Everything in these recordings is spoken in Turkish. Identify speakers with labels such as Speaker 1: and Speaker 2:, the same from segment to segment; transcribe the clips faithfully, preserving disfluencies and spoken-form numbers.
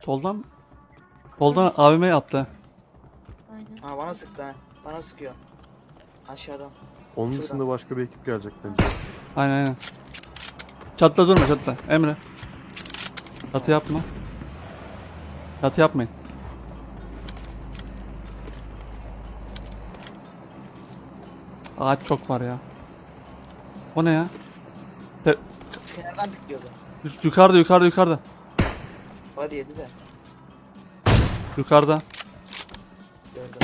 Speaker 1: Soldan soldan A V M yaptı.
Speaker 2: Aynen.
Speaker 3: Ha bana sıktı ha. Bana sıkıyor. Aşağıdan.
Speaker 4: Onun
Speaker 3: Şuradan.
Speaker 4: dışında başka bir ekip gelecek bence.
Speaker 1: Aynen aynen. Çatla durma çatla. Emre. Çatı yapma. Çatı yapmayın. Ağaç çok var ya. O ne ya? Te-
Speaker 3: Şu kenardan pikliyordu.
Speaker 1: yukarıda yukarıda yukarıda.
Speaker 3: Hadi yedi de.
Speaker 1: Yukarıda.
Speaker 3: Gördüm.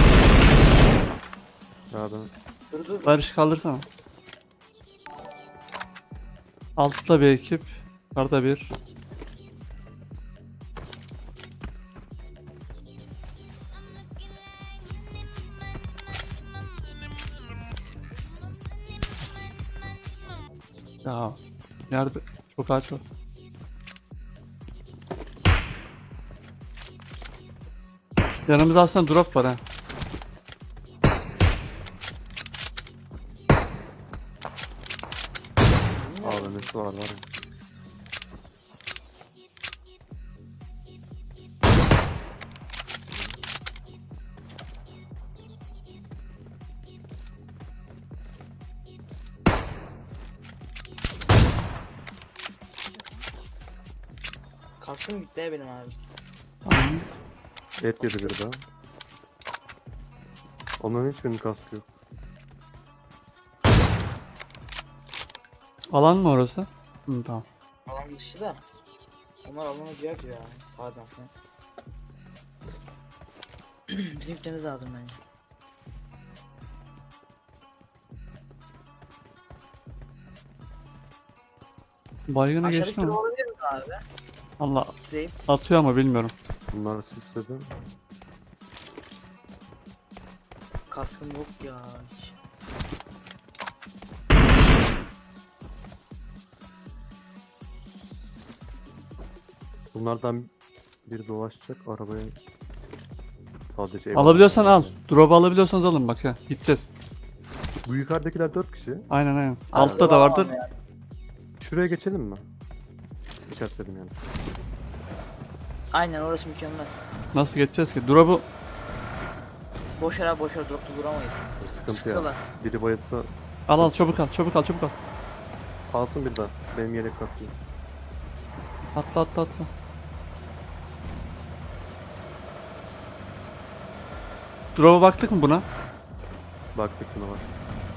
Speaker 4: Ya ben
Speaker 3: Dur dur.
Speaker 1: Barış kaldırsana. Altta bir ekip. Yukarıda bir. Ya nerede? Çok ağaç var. Yanımızda aslında drop var ha.
Speaker 3: Niye?
Speaker 4: A V M'si var var ya.
Speaker 3: Kalsın gitti ya benim abi.
Speaker 1: Tamam.
Speaker 4: Et yedi bir daha. Onların hiçbirinin kaskı yok.
Speaker 1: Alan mı orası? Hı, tamam.
Speaker 3: Alan dışı da. Onlar alana girer ya. Sağdan falan. Bizim gitmemiz lazım bence.
Speaker 1: Baygını
Speaker 3: Aşağıdaki
Speaker 1: geçti
Speaker 3: turu
Speaker 1: mi?
Speaker 3: olabilir mi abi?
Speaker 1: Allah
Speaker 3: İzleyip.
Speaker 1: atıyor ama bilmiyorum.
Speaker 4: Bunlar sisledi.
Speaker 3: Kaskım yok ya. Hiç.
Speaker 4: Bunlardan biri dolaşacak arabaya. Sadece ev
Speaker 1: Alabiliyorsan al.
Speaker 4: alıyor.
Speaker 1: Drop alabiliyorsanız alın bak ya. Gideceğiz.
Speaker 4: Bu yukarıdakiler dört kişi.
Speaker 1: Aynen aynen.
Speaker 3: Abi,
Speaker 1: Altta da vardır.
Speaker 3: alamam ya.
Speaker 4: Şuraya geçelim mi? İşaretledim yani.
Speaker 3: Aynen orası mükemmel.
Speaker 1: Nasıl geçeceğiz ki? Drop'u
Speaker 3: Boş ara boş ara drop'ta duramayız.
Speaker 4: Bu sıkıntı ya.
Speaker 3: Sıkıyorlar.
Speaker 4: Biri bayılsa
Speaker 1: al al çabuk al çabuk al çabuk al.
Speaker 4: alsın bir daha. Benim yelek kaskı yok.
Speaker 1: Atla atla atla. Drop'a baktık mı buna?
Speaker 4: Baktık buna bak.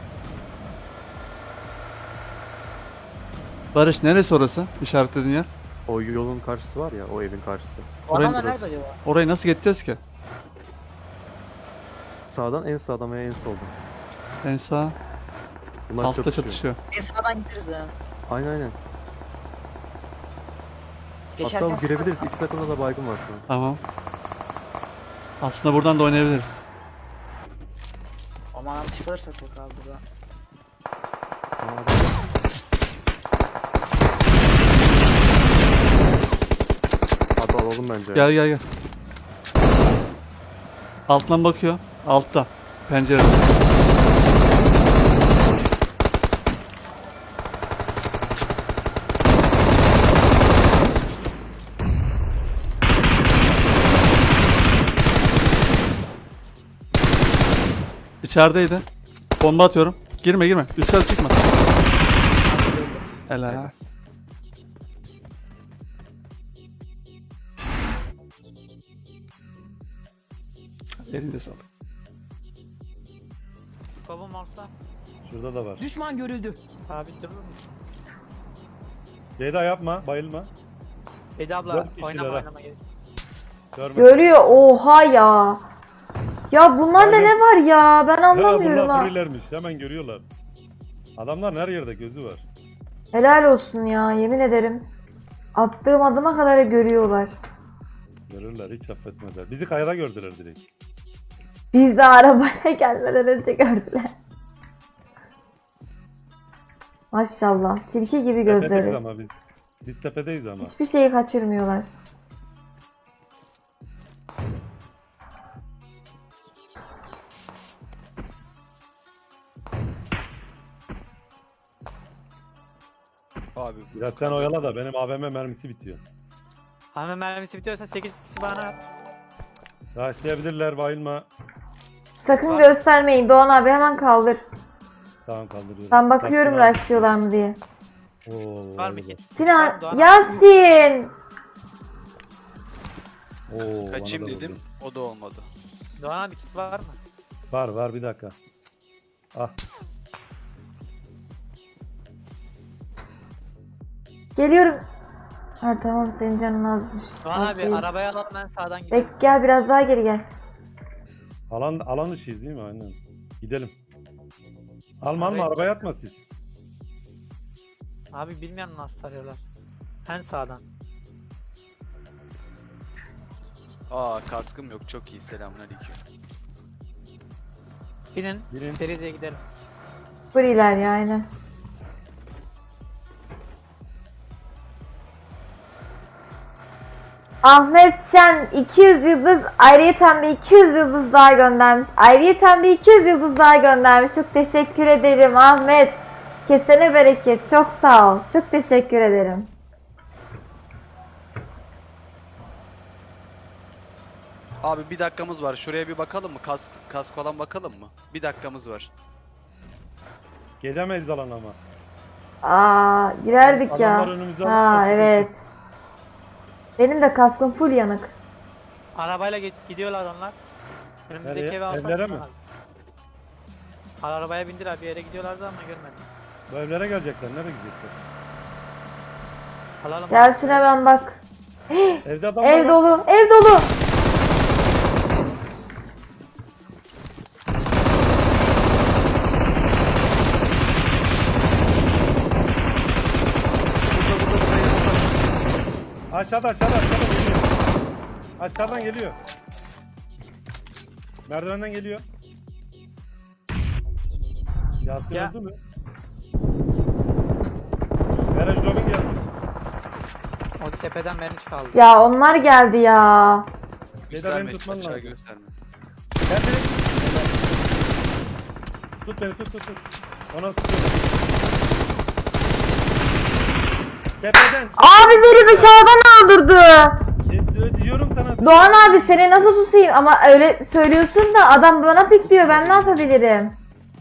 Speaker 1: Barış neresi orası? İşaretlediğin yer.
Speaker 4: O yolun karşısı var ya, o evin karşısı.
Speaker 3: Bu
Speaker 1: Orayı
Speaker 3: adamlar
Speaker 4: burası.
Speaker 3: nerede acaba?
Speaker 1: Orayı nasıl geçeceğiz ki?
Speaker 4: Sağdan en sağdan veya en soldan.
Speaker 1: En sağ.
Speaker 4: Bunlar
Speaker 1: Altta
Speaker 4: çatışıyor.
Speaker 1: çatışıyor.
Speaker 3: En sağdan gideriz ya.
Speaker 4: Aynen aynen.
Speaker 3: Geçerken
Speaker 4: Hatta girebiliriz. İki takımda da baygın var şu an.
Speaker 1: Tamam. Aslında buradan da oynayabiliriz.
Speaker 3: Aman çıkarırsak bakalım burada.
Speaker 4: Aa, Hadi alalım bence.
Speaker 1: Gel gel gel. Alttan bakıyor. Altta. Pencerede. İçerideydi. Bomba atıyorum. Girme girme. Üstten çıkma. Helal. Elinde sağlık.
Speaker 5: Babam varsa
Speaker 6: Şurada da var.
Speaker 7: Düşman görüldü.
Speaker 5: sabit durur musun?
Speaker 6: Ceyda yapma, bayılma.
Speaker 5: Eda abla
Speaker 6: Dört kişiler
Speaker 5: oynama
Speaker 6: ha.
Speaker 5: oynama gel.
Speaker 6: Görme.
Speaker 8: Görüyor. Oha ya. Ya bunlarda
Speaker 6: Aynen.
Speaker 8: ne var ya? Ben
Speaker 6: Ya
Speaker 8: anlamıyorum
Speaker 6: bunlar
Speaker 8: ha.
Speaker 6: freelermiş, hemen görüyorlar. Adamlar her yerde gözü var.
Speaker 8: Helal olsun ya, yemin ederim. Attığım adıma kadar görüyorlar.
Speaker 6: Görürler, hiç affetmezler. Bizi kayada gördüler direkt.
Speaker 8: Biz de arabaya gelmeden önce gördüler. Maşallah. Tilki gibi
Speaker 6: Tepedeyiz
Speaker 8: gözleri.
Speaker 6: ama biz. Biz tepedeyiz ama.
Speaker 8: Hiçbir şeyi kaçırmıyorlar.
Speaker 9: Abi
Speaker 6: Biraz sen oyala da benim A V M mermisi bitiyor.
Speaker 5: Ama mermisi bitiyorsa sekiz kişi bana at.
Speaker 6: Başlayabilirler, bayılma.
Speaker 8: Sakın
Speaker 5: Var.
Speaker 8: göstermeyin. Doğan abi hemen kaldır.
Speaker 6: Tamam, kaldırıyorum.
Speaker 8: Ben bakıyorum
Speaker 6: Kaskını al.
Speaker 8: rushlıyorlar mı diye.
Speaker 6: Oo,
Speaker 5: Var mı
Speaker 6: bayılır.
Speaker 5: kit?
Speaker 8: Sinan,
Speaker 5: Var mı Doğan abi?
Speaker 8: Yasin.
Speaker 6: Oo, bana
Speaker 2: Kaçayım
Speaker 6: da
Speaker 2: dedim.
Speaker 6: vurdu.
Speaker 2: O da olmadı.
Speaker 5: Doğan abi kit var mı?
Speaker 6: Var var, bir dakika. Ah.
Speaker 8: Geliyorum. Ha tamam, senin canın azmış.
Speaker 5: Doğan
Speaker 8: Az
Speaker 5: abi
Speaker 8: değil.
Speaker 5: arabaya alalım, ben sağdan gidiyorum.
Speaker 8: Bek gel, biraz daha geri gel.
Speaker 6: Alan alan dışıyız değil mi? Aynen. Gidelim. Alma alma,
Speaker 5: Evet.
Speaker 6: arabaya atma siz.
Speaker 5: Abi bilmiyorum nasıl sarıyorlar. En sağdan.
Speaker 2: Aa kaskım yok. Çok iyi. Selamünaleyküm.
Speaker 5: Binin,
Speaker 6: Binin.
Speaker 5: Ferize'ye gidelim.
Speaker 8: Free'ler ya aynen. Ahmet Şen iki yüz yıldız, ayrıyeten bir iki yüz yıldız daha göndermiş. Ayrıyeten bir iki yüz yıldız daha göndermiş. Çok teşekkür ederim Ahmet. Kesene bereket. Çok sağ ol. Çok teşekkür ederim.
Speaker 2: Abi bir dakikamız var. Şuraya bir bakalım mı? Kask, kask falan bakalım mı? Bir dakikamız var.
Speaker 6: Gelemeyiz alana ama.
Speaker 8: Aa, girerdik
Speaker 6: Adamlar
Speaker 8: ya.
Speaker 6: önümüze
Speaker 8: Ha
Speaker 6: alıp kaçıyor.
Speaker 8: evet. Benim de kaskım full yanık.
Speaker 5: Arabayla ge- gidiyorlar onlar. Önümüzdeki
Speaker 6: Nereye?
Speaker 5: eve alsak
Speaker 6: Evlere
Speaker 5: mı
Speaker 6: mi?
Speaker 5: abi? Arabaya bindiler, bir yere gidiyorlardı ama görmedim.
Speaker 6: Bu evlere gelecekler. Nereye gidecekler?
Speaker 5: Alalım.
Speaker 8: Gelsin hemen bak.
Speaker 6: Evde adamlar
Speaker 8: Ev
Speaker 6: var.
Speaker 8: dolu, ev dolu.
Speaker 6: Aşağıda aşağıda aşağıda geliyor. Aşağıdan geliyor. Merdivenden geliyor. Yasin
Speaker 5: Ya.
Speaker 6: öldü mü? Garaj Robin geldi.
Speaker 5: O tepeden beni çaldı.
Speaker 8: Ya onlar geldi ya.
Speaker 2: Gösterme hiç,
Speaker 6: tutman
Speaker 2: aşağı
Speaker 6: lazım.
Speaker 2: gösterme.
Speaker 6: Gel beni. Tut beni, tut tut tut. Ona sıkıyorum. Tepeden.
Speaker 8: Abi biri dışarıdan öldürdü.
Speaker 6: E, diyorum sana.
Speaker 8: Doğan abi seni nasıl tutayım, ama öyle söylüyorsun da adam bana pik diyor, ben ne yapabilirim?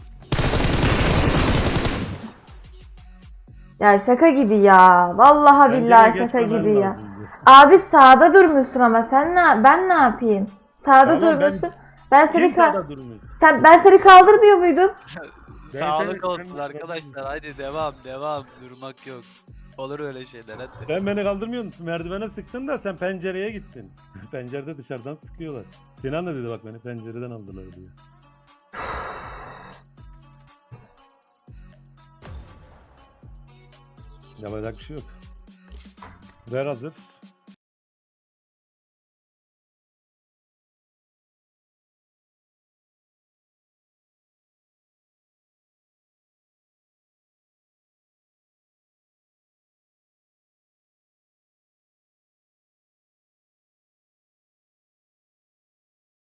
Speaker 8: Ya şaka gibi ya. Vallahi
Speaker 6: Bence de
Speaker 8: billahi şaka
Speaker 6: geçmemen
Speaker 8: gibi ya.
Speaker 6: lazımdı.
Speaker 8: Abi sağda durmuşsun ama sen ne, ben ne yapayım? Sağda
Speaker 6: Tamam, ben-
Speaker 8: durmuşsun. Ben, seni
Speaker 6: Kim
Speaker 8: ka-
Speaker 6: sağda durmuyor?
Speaker 8: sen ben seni kaldırmıyor muydum?
Speaker 6: Ben
Speaker 2: Sağlık
Speaker 6: seni-
Speaker 2: olsun
Speaker 6: ben-
Speaker 2: arkadaşlar. Haydi devam devam. Durmak yok. Olur öyle şeyler hadi.
Speaker 6: Sen beni kaldırmıyorsun. Merdivene sıktın da sen pencereye gittin. Pencerede dışarıdan sıkıyorlar. Sinan da dedi bak, beni pencereden aldılar diye. Yapacak bir şey yok. Ver hazır.